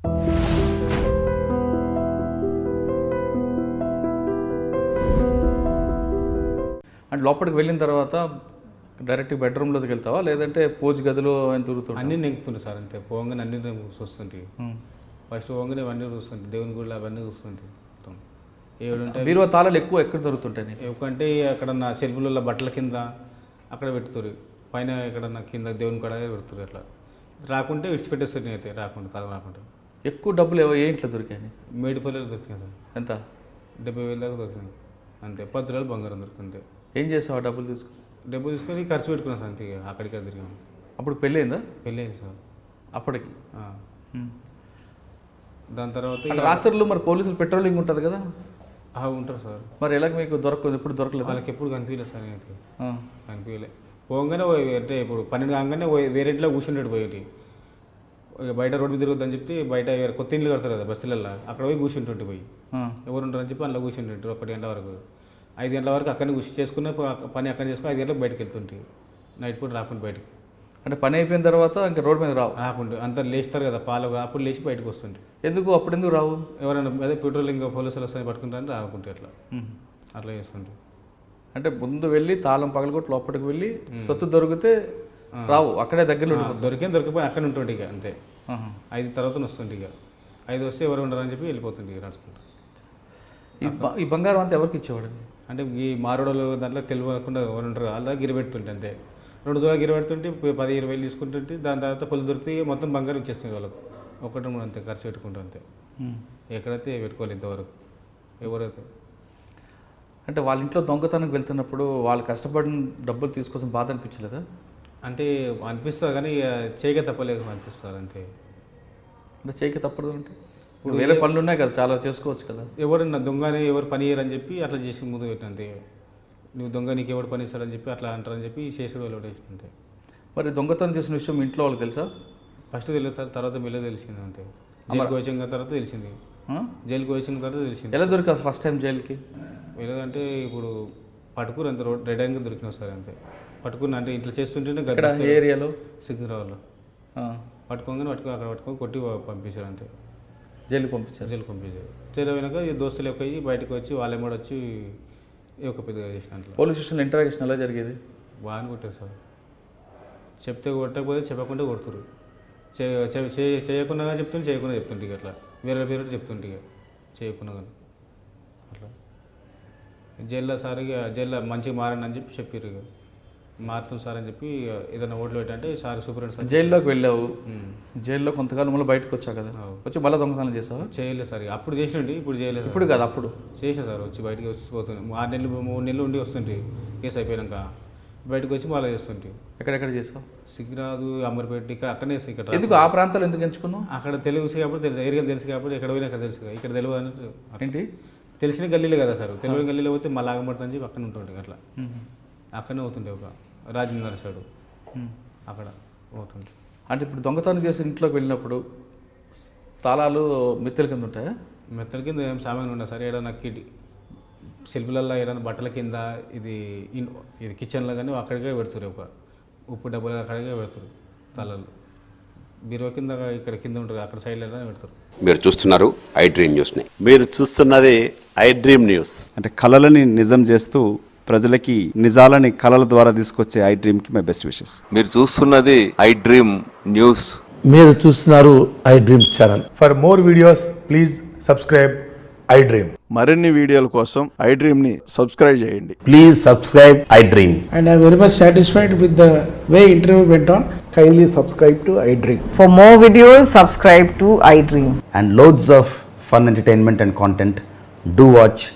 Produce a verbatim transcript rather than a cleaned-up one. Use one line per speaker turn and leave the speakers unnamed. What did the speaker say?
అంటే లోపలికి వెళ్ళిన తర్వాత డైరెక్ట్ బెడ్రూమ్లోకి వెళ్తావా లేదంటే పూజ గదిలో ఆయన తిరుగుతావు?
అన్నీ నెంగుతుండే సార్ అంతే. పోగానే అన్ని చూస్తుంటే ఫస్ట్ పోగానే అవన్నీ చూస్తుంటే దేవుని గుళ్ళు అవన్నీ చూస్తుంటే మొత్తం ఏడుంటే
బీరువా తాళాలు ఎక్కువ ఎక్కడ దొరుకుతుంటాయి?
ఎందుకంటే అక్కడ నా సెల్ఫులలో బట్టల కింద అక్కడ పెడుతురు, పైన ఎక్కడన్నా కింద దేవుని కాడ పెడుతురు. అట్లా రాకుంటే విడిచిపెట్టేస్తారు. అయితే రాకుండా తాళం రాకుండా.
ఎక్కువ డబ్బులు ఏ ఇంట్లో దొరికాయి?
మేడిపల్లిలో దొరికినాయి సార్.
ఎంత?
డెబ్బై వేల దాకా దొరికినాయి అంతే. పది రోజులు బంగారం దొరికింది.
ఏం చేసావు డబ్బులు తీసుకుని?
డబ్బులు తీసుకొని ఖర్చు పెట్టుకున్నాను సార్ అంతే. అక్కడికి తిరిగాము.
అప్పుడు పెళ్ళి అయిందా?
పెళ్ళి అయింది సార్
అప్పటికి.
దాని తర్వాత
రాత్రులు మరి పోలీసులు పెట్రోలింగ్ ఉంటుంది కదా?
ఉంటారు సార్.
మరి ఎలా మీకు దొరకదు? ఎప్పుడు దొరకలేదు?
వాళ్ళకి ఎప్పుడు కనిపించలేదు సార్. అయితే కనిపించలే. పోగానే అంటే ఇప్పుడు పన్నెండు కాగానే వేరే ఇంట్లో కూర్చుంటాడు పోయేటి. బయట రోడ్డు మీద తిరగద్దని చెప్పి బయట కొత్త ఇండ్లు కడతారు కదా బస్తీలలో, అక్కడ పోయి కూర్చుంటుంటే పోయి ఎవరు ఉంటారని చెప్పి అందులో కూర్చుంటుంటారు. ఒకటి గంటల వరకు ఐదు గంటల వరకు అక్కడనే కూర్చు చేసుకున్న పని అక్కడ చేసుకుని ఐదు గంటలకు బయటకు వెళ్తుంటే నైట్ పూట రాకుండా బయటకు.
అంటే పని అయిపోయిన తర్వాత ఇంకా రోడ్డు మీద రావు?
రాకుండా అంతా లేస్తారు కదా పాలు, అప్పుడు లేచి బయటకు వస్తుంటే.
ఎందుకు అప్పుడు ఎందుకు రావు?
ఎవరైనా అదే పెట్రోలింగ్ పోలీసులు వస్తాయని పట్టుకుంటారని రాకుంటే అట్లా అట్లా చేస్తుంటే.
అంటే ముందు వెళ్ళి తాళం పగలగొట్టి లోపలికి వెళ్ళి సొత్తు దొరికితే రావు, అక్కడే దగ్గర
దొరికే దొరికిపోయి అక్కడ ఉంటుంటే ఇక అంతే. ఐదు తర్వాత వస్తుంటే ఇక ఐదు వస్తే ఎవరు ఉండరని చెప్పి వెళ్ళిపోతుంది ఇక నడుచుకుంటూ.
ఈ బంగారం అంతా ఎవరికి ఇచ్చేవాడు?
అంటే ఈ మారోడలు దాంట్లో తెలియకుండా ఎవరు ఉంటారు అలా గిరిపెడుతుంటే అంతే. రెండు దూరాలు గిరిపెడుతుంటే పది ఇరవై వేలు తీసుకుంటుంటే దాని తర్వాత పొలు దొరికితే మొత్తం బంగారం ఇచ్చేస్తుంది వాళ్ళకు. ఒకటి మూడు అంతే ఖర్చు పెట్టుకుంటూ అంతే. ఎక్కడైతే పెట్టుకోవాలి ఇంతవరకు ఎవరైతే.
అంటే వాళ్ళ ఇంట్లో దొంగతనానికి వెళ్తున్నప్పుడు వాళ్ళు కష్టపడిన డబ్బులు తీసుకొచ్చిన బాధ అనిపించలేదా?
అంటే అనిపిస్తుంది కానీ చేయక తప్పలేదు అనిపిస్తారు అంతే.
అంటే చేయక తప్పదు అంటే ఇప్పుడు వేరే పనులు ఉన్నాయి కదా, చాలా చేసుకోవచ్చు కదా.
ఎవరన్నా దొంగని ఎవరు పని చేయరని చెప్పి అట్లా చేసి ముందు పెట్టిన అంతే. నువ్వు దొంగ నీకు ఎవరు పని ఇస్తారని చెప్పి అట్లా అంటారని చెప్పి చేసేది వాళ్ళు వేసిన అంతే.
మరి దొంగతనం చేసిన విషయం ఇంట్లో వాళ్ళకి తెలుసా?
ఫస్ట్ తెలుస్తుంది, తర్వాత మెల్ల తెలిసింది అంతే. జైలుకి వచ్చిన తర్వాత తెలిసింది. జైలుకి వచ్చిన తర్వాత తెలిసింది.
ఎలా దొరికా ఫస్ట్ టైం జైలుకి?
వెళ్ళదంటే ఇప్పుడు పట్టుకుని అంత రోడ్ రెడ్ హ్యాండ్గా దొరికినా సార్ అంతే. పట్టుకుని అంటే ఇంట్లో చేస్తుంటేనే
ఏరియాలో
సిగ్నరావులో పట్టుకోగానే పట్టుకో అక్కడ పట్టుకొని కొట్టి పంపించారు అంతే.
జైలుకి పంపించారు?
జైలుకి పంపించారు. జైలు అయినాక ఈ దోస్తులు ఎక్కువ బయటకు వచ్చి వాళ్ళే కూడా వచ్చి ఒక పెద్దగా చేసిన అంట్లో.
పోలీస్ స్టేషన్లో ఇంటరాక్షన్ ఎలా జరిగేది?
బాగానే కొట్టారు సార్. చెప్తే కొట్టకపోతే చెప్పకుండా కొడుతురు. చేయకుండా చెప్తుంటే చేయకుండా చెప్తుంటే అట్లా వేరే పేరు చెప్తుంటే ఇక చేయకుండా కానీ అట్లా. జైల్లో సార్ ఇక జైల్లో మంచిగా మారండి అని చెప్పి చెప్పారు. ఇక మారుతాం సార్ అని చెప్పి ఏదైనా ఓట్లు పెట్టంటే సార్ సూపరింట్ సార్.
జైల్లోకి వెళ్ళావు, జైల్లో కొంతకాలం మళ్ళీ బయటకు వచ్చావు కదా, వచ్చి మళ్ళీ దొంగతనం చేసావా?
చేయలేదు సార్. అప్పుడు చేసినండి, ఇప్పుడు చేయలేదు.
ఇప్పుడు కాదు అప్పుడు
చేసిన సార్. వచ్చి బయటకు వచ్చి పోతుంది. ఆరు నెలలు మూడు నెలలు ఉండి వస్తుంటే కేసు అయిపోయాక బయటకు వచ్చి మళ్ళీ చేస్తుంటే.
ఎక్కడెక్కడ చేసావు?
సిగ్గిరాదు, అమర్పేట, ఇక్కడ అక్కడనే ఇక్కడ.
ఎందుకు ఆ ప్రాంతాలు ఎందుకు ఎంచుకున్నావు?
అక్కడ తెలుగు కాబట్టి తెలుసు, ఏరియాలు తెలుసు కాబట్టి ఎక్కడ పోయినా అక్కడ తెలుసు. ఇక్కడ తెలియదు అని
ఏంటి
తెలిసిన గల్లీలే కదా సార్. తెలియని గల్లీలో పోతే మళ్ళీ ఆగబడుతుందని చెప్పి అక్కడ ఉంటుండే. అట్లా అక్కడనే అవుతుండే. ఒక రాజేంద్ర సైడు అక్కడ అవుతుంది.
అంటే ఇప్పుడు దొంగతనం చేసి ఇంట్లోకి వెళ్ళినప్పుడు తాళాలు మెత్తల కింద ఉంటాయా?
మెత్తల కింద ఏం సామాన్ ఉండదు సార్. ఏదైనా కిడ్ సెల్ఫ్లలో ఏదైనా బట్టల కింద ఇది ఇది కిచెన్లో కానీ అక్కడికే పెడుతురు. ఒక ఉప్పు డబ్బులు అక్కడికే పెడతారు తాళాలు. బీరువా కింద ఇక్కడ కింద ఉంటుంది, అక్కడ సైడ్లో పెడతారు.
మీరు చూస్తున్నారు ఐ డ్రీమ్ న్యూస్ని. మీరు చూస్తున్నది ఐ డ్రీమ్ న్యూస్.
అంటే కళలని నిజం చేస్తూ ప్రజలకి నిజాలని కళల ద్వారా తీసుకొచ్చే ఐ డ్రీమ్ కి మై బెస్ట్ విషెస్.
మీరు చూస్తున్నది ఐ డ్రీమ్ న్యూస్.
మీరు చూస్తున్నారు I dream channel.
For more videos please subscribe I dream.
మరిన్ని వీడియోల కోసం ఐ డ్రీమ్ ని సబ్స్క్రైబ్ చేయండి.
Please subscribe I dream. And I very much satisfied with the way interview went on.
Kindly subscribe to I dream.
For more videos, subscribe to iDream.
And loads of fun entertainment and content. Do watch